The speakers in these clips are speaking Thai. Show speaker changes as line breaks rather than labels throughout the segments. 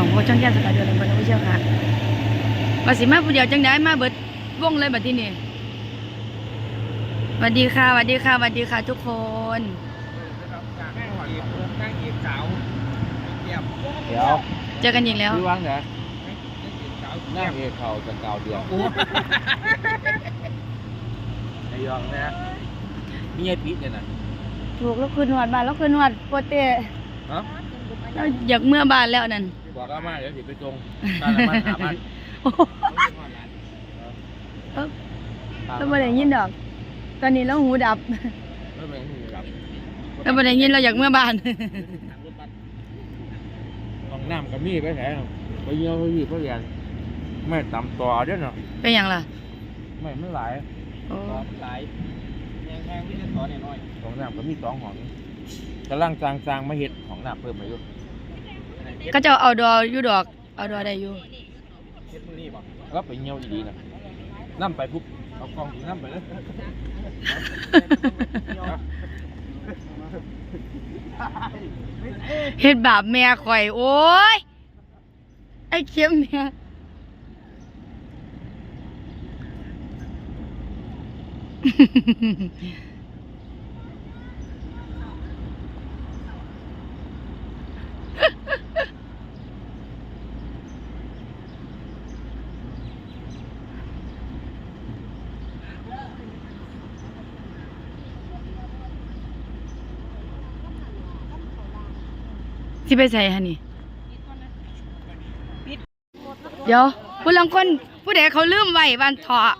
โพช่องแก้มสกัดเดือนลำบากผู้เชี่ยวค่ะว่าสิมาผู้เดียวจังได้มาเบิดวงเลยบัดที่นี่สวัสดีค่ะสวัสดีค่ะสวัสดีค่ะทุกคน
เดี๋ยว
เจอกันอีกแล้ว
พี่วังเหรอหน้าเอกเขาจะเก่าเดียวไอ้ยองนะมีไอ้ปี๊ดเนี่ยนะ
ถูกแล้วคืนหวดบ้านแล้วคืนหวดโปเต้เราอยากเมื่อบ้านแล้วนั่น
บอกก็มาเดี๋ยวสิไปจงบ้านละมันหาบ้าน
เราไม่ได้ยินดอกตอนนี้เราหูดับเราไม่ได้ยินเราอยากเมื่อบ้าน
ลองน้ำกับมีไปไหนไปเยี่ยวไปยี่ไปเรียนไม่ต่ำต่อเด้อเนาะ
เป็นอย่างล่ะ
ไม่หลายหลายแพงๆไม่ได้ต่อน้อยของน้ำก็มี2 ห้องกำลังจางมาเห็ดของน้ำเพิ่มมาอยู่
ก็จะเอาดออยู่ดอกเอาดอได้อยู่
เห็ดมือนี่ป่ะก็ไปเยี่ยวดีๆนะน้ำไปปุ๊บเอากองถึงน้ำไปเลย
เฮ็ดบาปแม่ข่อยโอ้ยไอ้เข็มแม่ที่ไปใส่ฮะนี่เดี๋ยวผู้ลังคนผู้ใดเขาลืมไว้บ้านเถาะ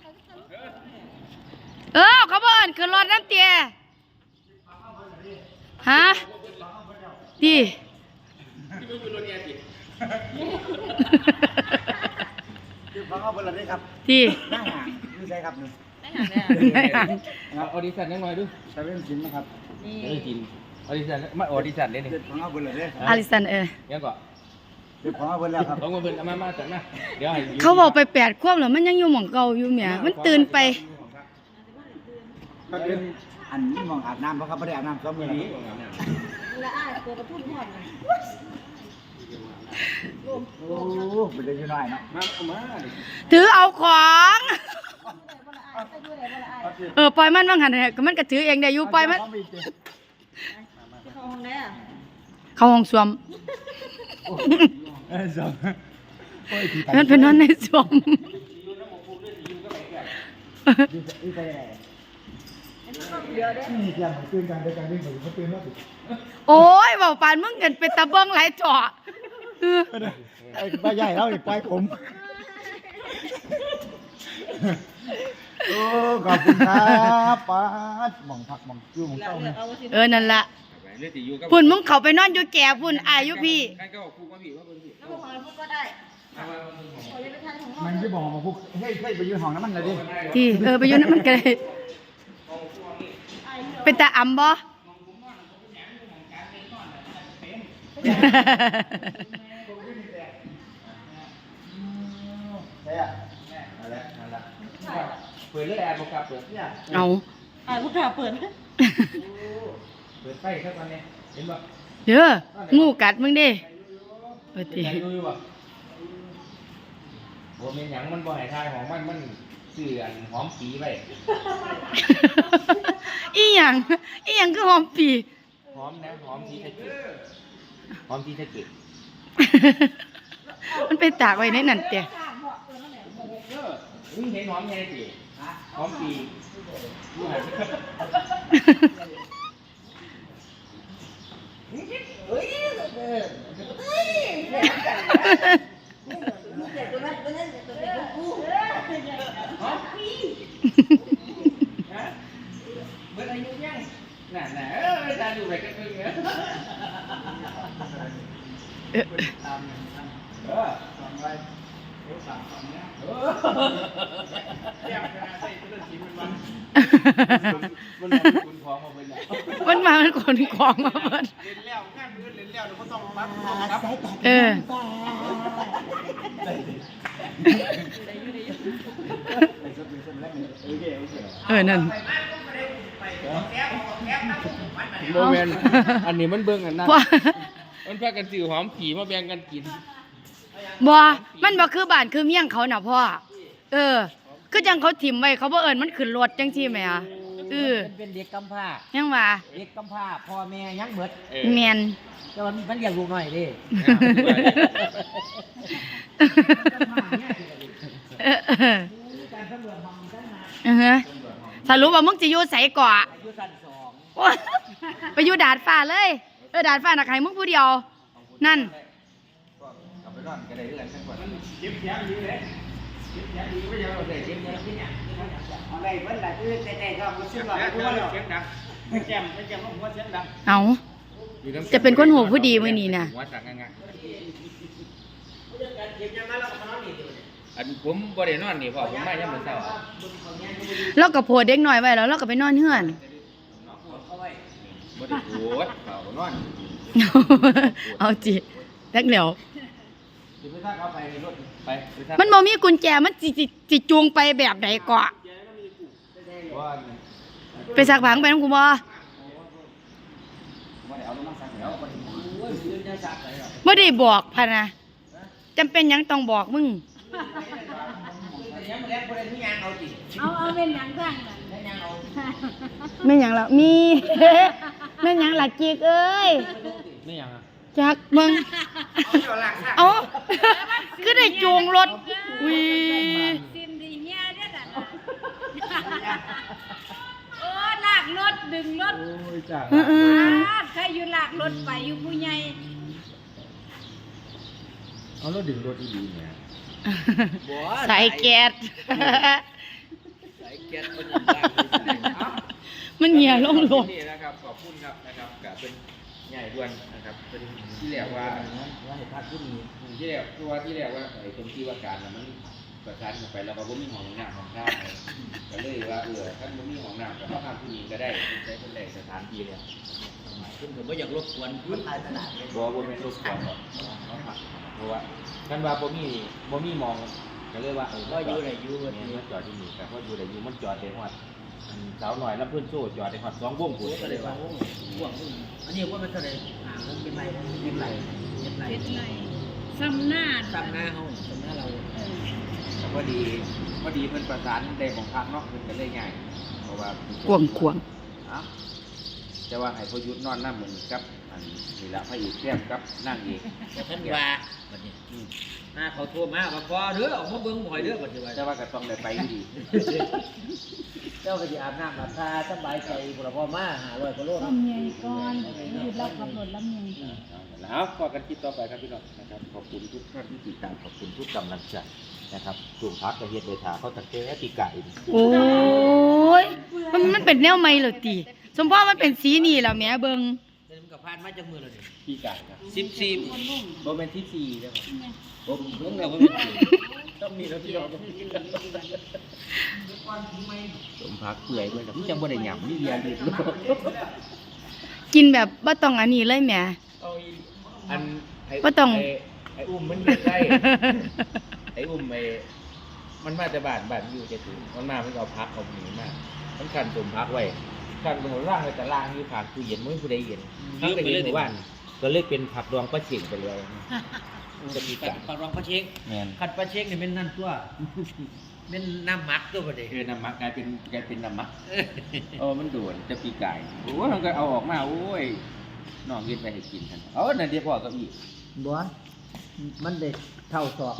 เขาบอกคือรถน้ำเตี้ยฮะดี
ฟังเอาไปเลยได้ครับ
ดี
ได้หางนี่ใช่ครับนี่
ได้หาง
เอาออดิชั่นนิดหน่อยดู
จะเป็นจริงนะครับ
นี่จริงออดิชั่นมาออดิชั่นเลยนี่
ฟังเอาไปเลยได้
อาริสัน
ยังก่อน
ฟังเอาไปแล้วครับ
ต้องมาเพิ่นมาจัดนะเดี๋ยวให้
เขาบอกไป8 ขวบแล้วมันยังอยู่หม่องเก่าอยู่แหมมันตื่นไป
ก็เป็นอันนี้มองอาบน้ำเพราะเขาไม่ได้อาบน้ำก็มือนี้
ละอ้ายตัวกระพุ่นหอด
โอ้เป็นเรื่องน้อยเนาะมา
ถือเอาของปล่อยมันบ้างหันก็มันก็ถือเองได้อยู่ปล่อยมัน
เข้าห้องไหนอ่ะ
เข้าห้องส้วมมันเป็นนอนในส้วมโอ้ยบอกปานมึงกันเป็นตะเบิ้งหลายจ่อ
ไอ้ป้าใหญ่แล้วไอ้ป้ายผมโอ้ขอบคุณครับป้าหม่องผักหม่องจู่หม่องเต้า
นั่นละพุ่นมึงเขาไปนอนอยู่แก่พุ่นอายุพี่
มันจะบอกมาพวกเฮ้ยไปยืนห้องน้ำมันเลยดิ
ที่ไปยืนน้ำมันกันเลยเป็นตาอ่ำบ่
เปิดเลยแอร์บอกกับเปิดเนี่ย
เอา
ลูกค้าเปิด
เปิดไฟแค่ตอนนี้เห็นป่ะ
เด้องูกัดมึงดิเปิดที
บัวเมียนหยังมันบ่ให้ทายของมันเสื่อนหอมปีไป
อีหยังคือหอมปี
หอมนะหอมที่ตะเกียบหอมที่ตะเกียบ
มันไปตากไว้ในนั่นเตี้ย
เห็นหอมแค่สิหอมปีเมื่ออายุยังน่ะไม่ได้อยู่แบบกันเลยเนี่ย
มันมามันขนของมาเบิด
เล่นแล้วงานมือเล่นแล้วเดี๋ยวก็ต้องปั๊บ
นั่น
โมเมนต์อันนี้มันเบิ่งอันนั้นมันพากันสื่อหอมผีมาแบ่งกันกิน
บ่มันบ่คือบ้านคือเมียงเขาน่ะพ่อคือจังเขาถิ่มไว้เขาบ่เอิ้นมันขึ้นรถจังซี่แหมอ่ะ
เป็นเด็กกำพร้า
ยังว่า
เด็กกำพร้าพ่อแม่ยังเบิด
แม่น
แต่ว่ามันเลี้ยงลูกน้อยเดิ
สรุปว่ามึงจะอยู่ไสก่อ
อยู่ชั้นสอง
โอ๊ยไปอยู่ดาดฟ้าเลยดาดฟ้าน่ะใครมึงผู้เดียวนั่น
เอาไปนอนก็ได้เรื่องทั้งหมดเก็บเสียงดีเลยเก็บเสียงดีไม่ยอมเอาเลยเก็บเสียงที่เนี่ย
อะไรเพิ่นล่ะคือแต่ก็บ่ซื้อหรอก
เสียงดังไม่แจ่มของหัวเสียงดัง
เอาจะเป็นคนหูผู้ดีมื้อนี้น่ะ
หัวสั่งง่ายอันผมบ่ได้นอนนี่พ่อผมมายังมื้อเช้า
เราก็โพดเด็กน้อยไว้แล้วเราก็ไปนอนเฮือน
บ่ได้ปวดเขานอน
เอาจิจักแล้ว
สิไปซักเอาไปในรถไปซัก
มันบ่มีกุญแจมันสิจูงไปแบบใดก่อ
ว่า
ไปซักผังไปนำกูบ่
บ่ได้เอาลงมาซักแล้วบ่ได้
โอ้ยซื้อจะสักเลยหรอ
บ่ได้บอกพะนะจำเป็นหยังต้องบอกมึง
ยังบ่ได้บ่ได้มีหยังเอาติ
เอาเป็นหยังสั่งน่ะ
ได้หยังเอา
แม่นหยังล่ะมี แม่นหยังล่ะจิกเอ้ย
ไม่ยังอ่ะ
จักเบิ่งเอาคือได้จูงรถวิ
ซิมดีเนี่ยเด้อน่ะโอ้ลากรถดึงรถ
โอ้ยจ้า
ใครอยู่ลากรถไปอยู่ผู้ใหญ่
เอารถดึงรถดีๆเนี่ย
สายแก๊ส
สายแก๊สมันยังได้
มันเหี่ยลงรถ
นี่นะครับขอบคุณครับนะครับกับเป็นใหญ่ด่วนนะครับเป็นที่แรกว่า
ว่าให้พักผู้นี้
ที่แรกตัวที่แรกว่าไอ้ตรงที่ว่าการน่ะมันประสานกันไปแล้วก็บ่มีห้องน้ำของข้าวก็เลยว่าท่านบ่มีห้องน้ำก็มาทำที่นี่ก็ได้ใช้เป็นแหล่งสถานที่เนี่ย
คุณก็บ่อยากรบกวนพื้นทายตลาดเลย
บ่เป็นรถกวนหรอกเพราะว่าท่านว่าบ่มีมองก็เลยว่า
ก็อยู่ได้อยู่
เนี่ยมันจอดที่นี่ก็เพราะอยู่ได้อยู่มันจอดได้ฮอดสาวหน่อยแล้วเพิ่นโซ่จอดได้ฮอด2วง
โอ้
พุ่น
ก็เลยว่าโอ้ห่วงอันนี้ว่ามันเท่าไหร่มันเป็นไรเป็นไรเป็นไร
เป็นไรซ้ำหน้า
ซ้ำหน้าเฮาซ้ำหน้าเรา
แต่พอดีเพิ่นประสานได้ของพักเนาะเพิ่นก็เลยง่ายเพราะว่า
กวง
เอ้าแต่ว่าให้พยุทธนอนน้ำเหมือนกับอันนี่ละพระเอกแก้มกับนั่งเอก
แต่ท่านว่าบัดนี้หน้าเขาโทรมาว่าพอเด้อออกมาเบิ่งบ่อยเด้อบัดนี้ว่า
แต่ว่าก็ต้องได้ไปอยู่ดี
เจ้าก็สิอาบน้ำอาบท่าสบายใจพุ่นล่ะพอมา500กว่าโลเนาะ
ลำใหญ่ก่อนหยุดแล้วขับรถลำใหญ่
แล้วก็กันคลิปต่อไปครับพี่น้องนะครับขอบคุณทุกท่านที่ติดตามขอบคุณทุกกำลังใจนะครับกลุ่มพักกระเฮียดเดชาเขาตั้งแต่ปีไก่
โอ้ยมันเป็นแนวใหม่เหรอติสมพ่อมันเป็นสีนี่ล่ะแหม่เบิ่ง
เดี๋ยวมันก็ผ่านมาจากมือแล้วนี่
ปีไก่ครับ
14บ่แม่น14เด้อผมเบิ่งแล้วบ่ต้องมีแล้วพี่น้อง
สมพักเปื่อยด้วยนะพี่จังบ่ได้หยำนี่เรียนดี
กินแบบบ่ต้องอันนี้เลยแหม่
อันไอ้
บ่ต้อง
ไอ้อุ้มมันเด็ดได้ ไอ้อุ้มมันมาแต่บ้านอยู่จะถึงมันมามันเอาพักเอาหนีมามันขันสมพักไว้ขันตรงล่างเลยแต่ล่างอยู่ผ่านตู้เย็นไม่ผู้ใดเย็นทั้งแต่เย็นหมู่บ้านก็เลยเป็นผักดองปลาเฉียงไปเลยจะปีกา
ปลาร้องปลาเช็ค
แม่น
ขัดปลาเช็คนี่เป็นนั่นตัวเป็นน้ำหมักตัวบ่ได้
คือน้ำมักกลายเป็นน้ำมักมันโดนจะปีกายโอ้ยมันก็เอาออกมาโอ้ยน้องกินไปให้กินกันนั่นเดี๋ยวพ่อก็อีก
บ่มันได้เท่าศอก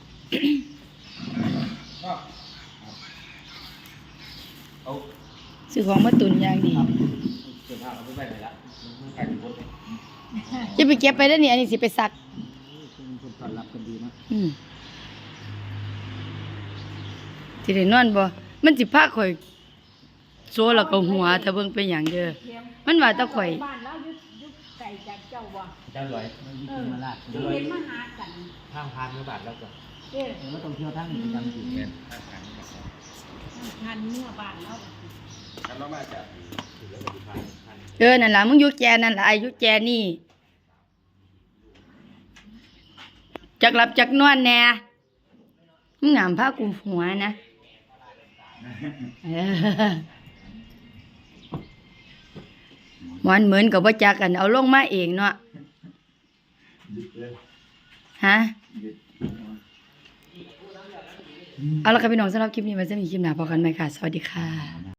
เอา
ซื้อของมาตุนอย่างดี
เสื้อผ้าเอาไปไว้ไหนละมันใกล้ถึงบน
จะไปเก็บไปได้อนี่อันนี้สิไปซัก
คนต้อนรับกันดีนะ
สิได้นอนบ่มันสิพาข่อยโซแล้วก็หัวถ้าเบิ่งเป็นหยังเด้อมันว่าแตะข่อย
บ้านแล้วยุดไก่จากเจ้าว่ะ
เจ้าลอย
มันมีกินมาลาด
เห็นมาหากัน
ทางพานเมื่อบาทแล้วก็
เด้อ
แล้วต้องเที่ยวทั้งประจำอยู่
เงินทางพานเมื่อบาท
งานเมื่อบ้านแล้ว
แล้วเรามาจากถือแล้วก็พาน
นั่นล่ะมึงอยู่แจนั่นล่ะอายุแจนี่จักหลับจักนอนแน่มึงงามพากูหัวนะหมอนเหมือนกับว่าจักกันเอาลงมาเองเนาะฮะเอาละค่ะพี่น้องสำหรับคลิปนี้ไว้จะมีคลิปหน้าพอกันไหมค่ะสวัสดีค่ะ